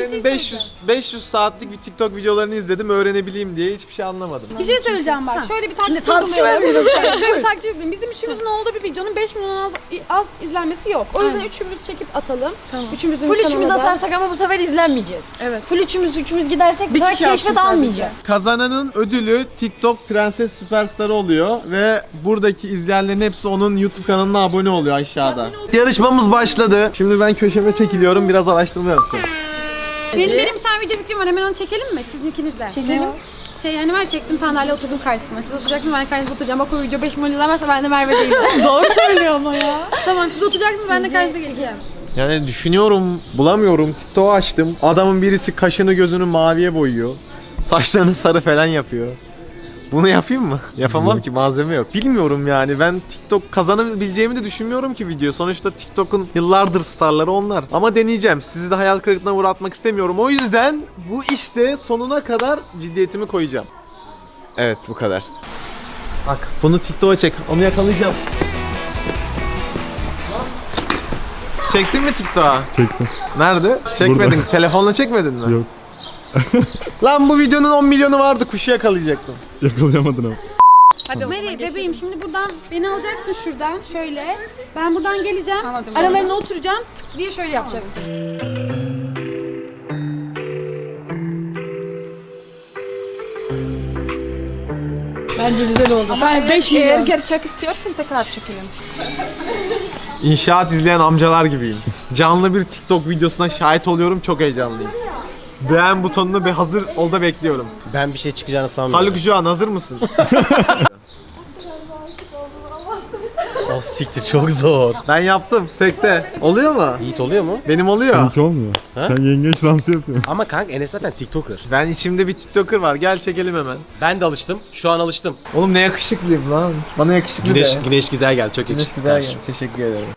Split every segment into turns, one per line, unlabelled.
Emre'nin 500 saatlik bir TikTok videolarını izledim öğrenebileyim diye hiçbir şey anlamadım.
Bir şey söyleyeceğim bak. Şöyle bir taktik
tartışmayalım.
Şöyle bir taktik yapayım. Bizim üçümüzün olduğu bir videonun 5 milyon az izlenmesi yok. O yüzden üçümüz çekip atalım.
Tamam.
Full
üçümüz atarsak ama bu sefer izlenmeyeceğiz.
Evet.
Full üçümüz gidersek bu sefer keşfet almayacak.
Kazananın ödülü TikTok Prenses Süperstarı oluyor ve buradaki izleyenlerin hepsi onun YouTube kanalına abone oluyor aşağıda. Yarışmamız başladı. Şimdi ben köşeme çekiliyorum, biraz araştırma yapacağım.
Benim bir tane video fikrim var. Hemen onu çekelim mi? Sizin ikinizle.
Çekelim.
Hani ben çektim sandalye oturdum karşısına. Siz oturacaksınız, ben de karşınızda oturacağım. Bak o video 5 milyon izlenmezse ben de Merve değilim. Doğru söylüyor ama ya. Tamam siz oturacaksınız, ben de karşınıza geleceğim.
Yani düşünüyorum, bulamıyorum. TikTok'u açtım. Adamın birisi kaşını gözünü maviye boyuyor. Saçlarını sarı falan yapıyor. Bunu yapayım mı? Yapamam ki, malzeme yok. Bilmiyorum yani, ben TikTok kazanabileceğimi de düşünmüyorum ki video. Sonuçta TikTok'un yıllardır starları onlar. Ama deneyeceğim. Sizi de hayal kırıklığına uğratmak istemiyorum. O yüzden bu işte sonuna kadar ciddiyetimi koyacağım. Evet, bu kadar. Bak bunu TikTok'a çek. Onu yakalayacağım. Çektin mi TikTok'a?
Çektim.
Nerede? Çekmedin.
Burada.
Telefonla çekmedin mi?
Yok.
Lan bu videonun 10 milyonu vardı. Kuşu yakalayacaktım.
Yakalayamadın ama.
Hadi Meri bebeğim, şimdi buradan beni alacaksın şuradan şöyle. Ben buradan geleceğim. Aralarına oturacağım. Tık diye şöyle yapacaksın.
Bence güzel oldu.
Ben 5 milyon.
Eğer gerçek istiyorsan tekrar çekelim.
İnşaat izleyen amcalar gibiyim. Canlı bir TikTok videosuna şahit oluyorum. Çok heyecanlıyım. Beğen butonunu hazır ol da bekliyorum.
Ben bir şey çıkacağını sanmıyorum.
Haluk Juan hazır mısın?
O siktir, çok zor.
Ben yaptım tekte. Oluyor mu?
Yiğit oluyor mu?
Benim oluyor.
Seninki olmuyor.
Ha?
Sen yengeç dansı yapıyorsun.
Ama kanka Enes zaten TikToker.
Ben içimde bir TikToker var. Gel çekelim hemen.
Ben de alıştım. Şu an alıştım.
Oğlum ne yakışıklıyım lan. Bana yakışıklı de.
Güneş güzel geldi. Çok
Güneş
yakışıklı
güzel
kardeşim.
geldi. Teşekkür ederim.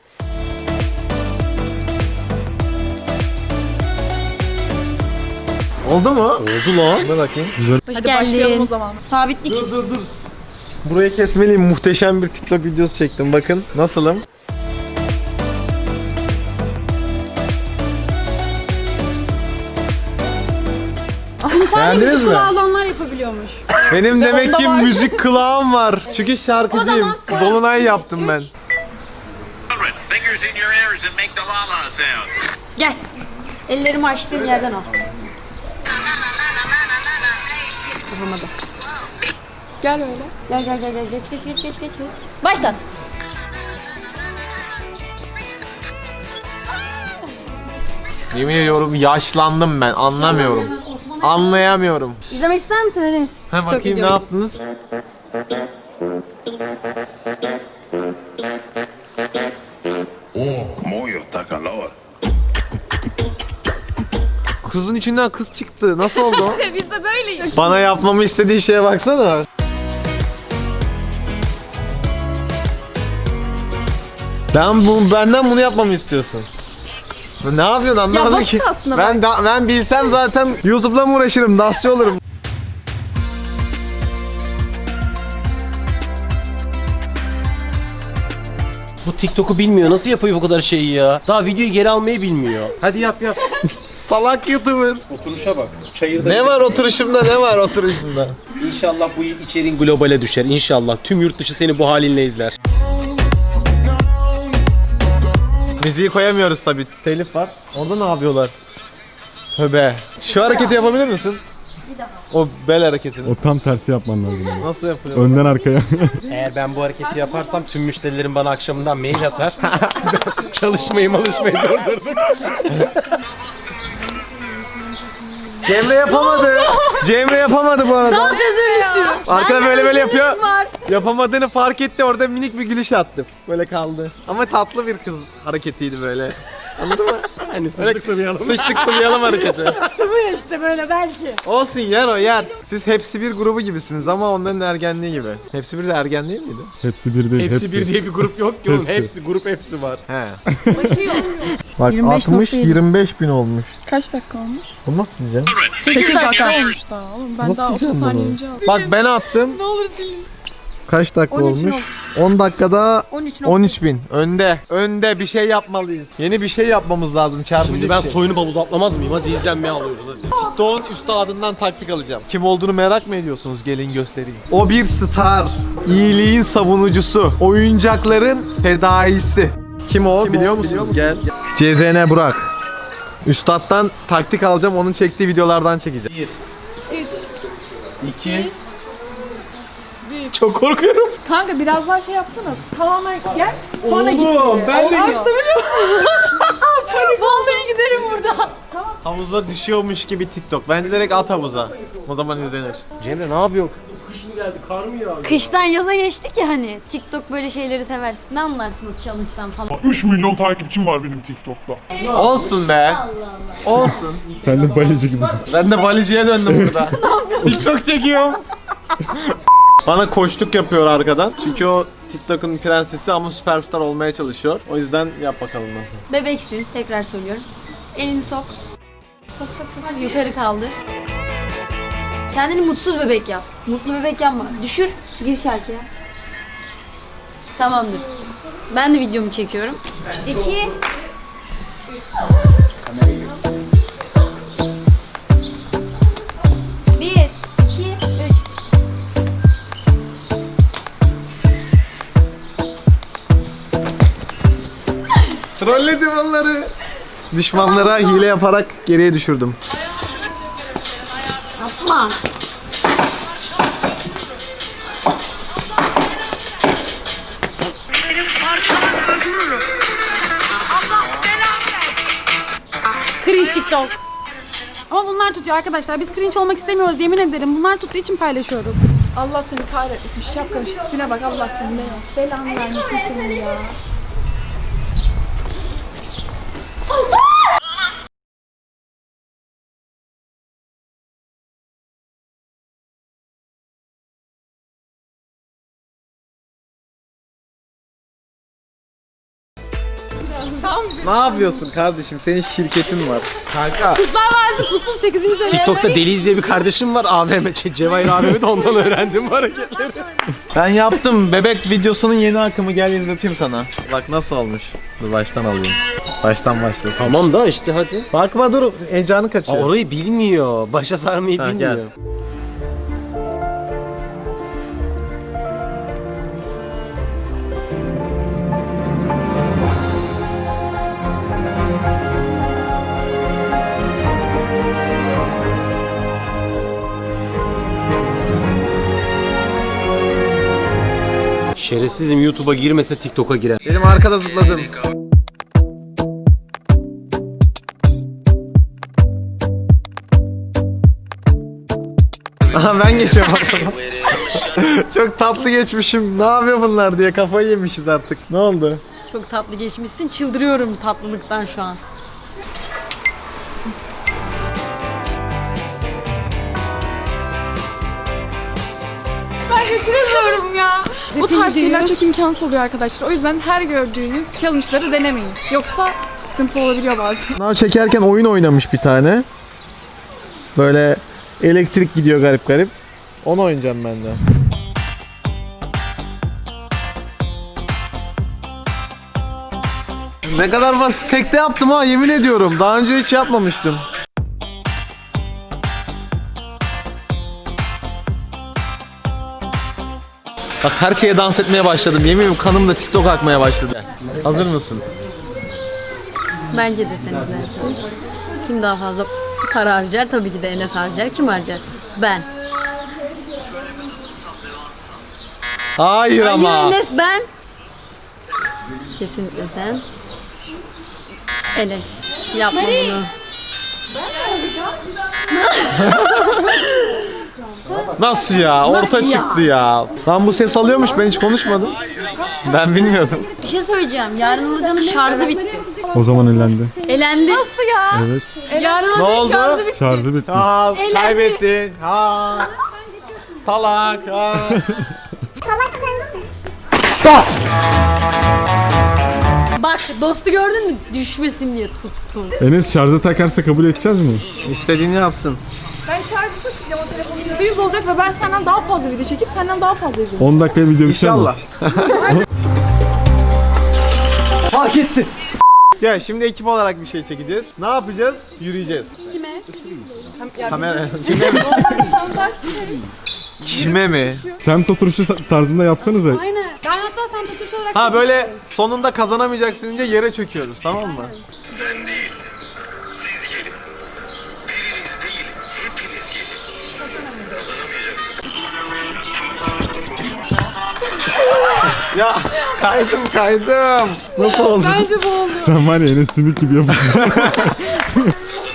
Oldu mu?
Oldu lan.
Dur bakayım.
Hadi başlayalım o zaman. Sabitlik.
Dur. Burayı kesmeliyim. Muhteşem bir TikTok videosu çektim. Bakın nasılım? Beğendiniz mi?
Kulağlı onlar yapabiliyormuş.
Benim demek ki
onda var.
müzik kulağım var. Çünkü şarkıcıyım. Dolunay yaptım ben.
Fingers in your ears and make the la-la sound.
Gel. Ellerimi açtığım yerden al. Yapamadı.
Gel öyle.
Gel. Geç. Başla.
Yemin ediyorum yaşlandım ben. Anlamıyorum. Anlayamıyorum.
İzlemek ister misin Enes?
Ha bakayım ne yaptınız?
Muy calor.
Kızın içinden kız çıktı. Nasıl oldu o?
İşte biz de böyleyiz.
Bana yapmamı istediği şeye baksana. Benden bunu yapmamı istiyorsun. Ne yapıyorsun anlamadım
basit
ki.
aslında
Ben bilsem zaten YouTube'la mı uğraşırım, dansçı olurum.
Bu TikTok'u bilmiyor. Nasıl yapıyor bu kadar şeyi ya? Daha videoyu geri almayı bilmiyor.
Hadi yap. Salak YouTuber.
Oturuşa bak. Çayırda.
Ne var oturuşumda?
İnşallah bu içeriğin globale düşer. İnşallah. Tüm yurt dışı seni bu halinle izler.
Müziği koyamıyoruz tabi. Telif var. Orada ne yapıyorlar? Tövbe. Şu hareketi yapabilir misin? O bel hareketini.
O tam tersi yapman lazım. Yani.
Nasıl yapılıyor?
Önden arkaya.
Eğer ben bu hareketi yaparsam tüm müşterilerim bana akşamından mail atar. Çalışmayı durdurduk.
Cemre yapamadı bu arada.
Dans özürlüsü.
Arkada böyle yapıyor.
Var.
Yapamadığını fark etti, orada minik bir gülüş attı. Böyle kaldı. Ama tatlı bir kız hareketiydi böyle. Anladın mı?
Hani sıçtık sıvayalım.
Sıçtık sıvayalım hareketi.
Sıvıyor işte böyle belki.
Olsun, yer. Siz hepsi bir grubu gibisiniz ama onların ergenliği gibi. Hepsi bir de ergen değil miydi?
Hepsi bir değil.
Hepsi bir diye bir grup yok ki oğlum.
Hepsi.
Hepsi var.
He.
Başıyor.
Bak 60-25 bin olmuş.
Kaç dakika olmuş?
Bu nasıl sileceğim?
8 dakika olmuş daha oğlum. Ben
Nasıl
daha 30
sileceğim
saniye
bunu?
önce aldım.
Bak ben attım.
Ne olur silin.
Kaç dakika
13
olmuş? 10 dakikada
13
13.000. Önde bir şey yapmalıyız. Yeni bir şey yapmamız lazım. Çarpıcı
Şimdi ben
bir şey.
soyunu havuza atlamaz mıyım? Hadi izlenmeye alıyoruz hadi.
TikTok'un üstadından taktik alacağım. Kim olduğunu merak mı ediyorsunuz? Gelin göstereyim. O bir star. İyiliğin savunucusu. Oyuncakların fedaisi. Kim o biliyor musunuz? Gel. CZN Burak. Üstad'dan taktik alacağım. Onun çektiği videolardan çekeceğim.
2 Çok korkuyorum.
Kanka biraz daha şey yapsana. Tamamen gel. Sonra git.
ben de
Vallahi giderim burada.
havuza düşüyormuş gibi TikTok. Bence direkt at havuza. O zaman izlenir.
Cemre ne yapıyor? Kış mı geldi? Kar mı yağdı?
Kıştan yaza geçtik ya hani. TikTok böyle şeyleri seversin. Ne anlarsınız challenge'dan falan.
3 milyon takipçim var benim TikTok'ta.
Olsun be. Olsun.
Sen de baleci gibisin.
Ben de baliciye döndüm burada. TikTok çekiyorum. Bana koçluk yapıyor arkadan. Çünkü o TikTok'un prensesi ama süperstar olmaya çalışıyor. O yüzden yap bakalım nasıl.
Bebeksin. Tekrar söylüyorum. Elini sok. Sok sok sok. Yukarı kaldır. Kendini mutsuz bebek yap. Mutlu bebek yapma. Düşür. Gir şarkıya. Tamamdır. Ben de videomu çekiyorum. 2 1 2 3
Trolledim onları. Düşmanlara hile yaparak geriye düşürdüm.
Yapma.
Cringe TikTok. Ama bunlar tutuyor arkadaşlar. Biz cringe olmak istemiyoruz yemin ederim. Bunlar tuttuğu için paylaşıyoruz.
Allah seni kahretmesin. Şu şapkanın şu tipine bak. Allah seni ne ya. Belanı vermesin senin ya.
Ne yapıyorsun kardeşim? Senin şirketin var. Kanka.
Kurtlar Vadisi Pusul 8. sene.
TikTok'ta Deliz diye bir kardeşim var. AVM, Cevahir AVM'de ondan öğrendim bu hareketleri.
Ben yaptım. Bebek videosunun yeni akımı, gel izleteyim sana. Bak nasıl olmuş. Dur baştan alayım. Baştan başlasın.
Tamam da işte hadi.
Bakma dur. Heyecanı
Aa,
kaçıyor.
orayı bilmiyor. Başa sarmayı
Ha,
bilmiyor.
gel.
Şerefsizim, YouTube'a girmese TikTok'a girer.
Benim arkada zıpladım. Aha ben geçiyorum arkadan. Çok tatlı geçmişim. Ne yapıyor bunlar diye kafayı yemişiz artık. Ne oldu?
Çok tatlı geçmişsin. Çıldırıyorum tatlılıktan şu an.
Geçiremiyorum ya. Bu tarz şeyler çok imkansız oluyor arkadaşlar. O yüzden her gördüğünüz challenge'ları denemeyin. Yoksa sıkıntı olabiliyor bazen.
Sınav çekerken oyun oynamış bir tane. Böyle elektrik gidiyor garip garip. Onu oynayacağım ben de. Ne kadar basit. Tekte yaptım ha, yemin ediyorum. Daha önce hiç yapmamıştım. Bak her şeye dans etmeye başladım. Yemin ediyorum kanım da TikTok akmaya başladı. Hazır mısın?
Bence de sen izlersin. Kim daha fazla para harcar? Tabii ki de Enes harcar. Kim harcar? Ben.
Hayır ama.
Hayır Enes ben. Kesinlikle sen. Enes. Yapma bunu.
Nasıl ya? Orta çıktı ya. Lan bu ses alıyormuş, ben hiç konuşmadım. Ben bilmiyordum.
Bir şey söyleyeceğim. Yarın Hoca'nın şarjı bitti.
O zaman elendi.
Elendi. Nasıl ya?
Evet.
Yarın
Ne
Hoca'nın
oldu?
şarjı bitti.
Şarjı bitti.
Ha, kaybettin. Ha. Salak. Ha.
Bak dostu gördün mü? Düşmesin diye tuttum.
Enes şarja takarsa kabul edeceğiz mi?
İstediğini yapsın.
Ben şarjı takacağım o telefonun %100 olacak ve ben senden daha fazla video çekip senden daha fazla izleyeceğim.
10 dakikaya video biter mi?
İnşallah. Fark etti. Ya şimdi ekip olarak bir şey çekeceğiz. Ne yapacağız? Yürüyeceğiz.
Kime?
Kamera kime mi? Kime mi?
Semt oturuşu tarzında yapsanıza.
Aynen. Ben hatta sen tutuş olarak
Ha böyle sonunda kazanamayacaksın diye yere çöküyoruz, tamam mı?
Sen değil. Siz gelin. Biriniz değil. Hepiniz gelin. Kazanamayacaksınız.
Ya kaydım. Nasıl oldu?
Bence bu oldu.
Sen var ya Enes Sümük gibi yapıyorsun.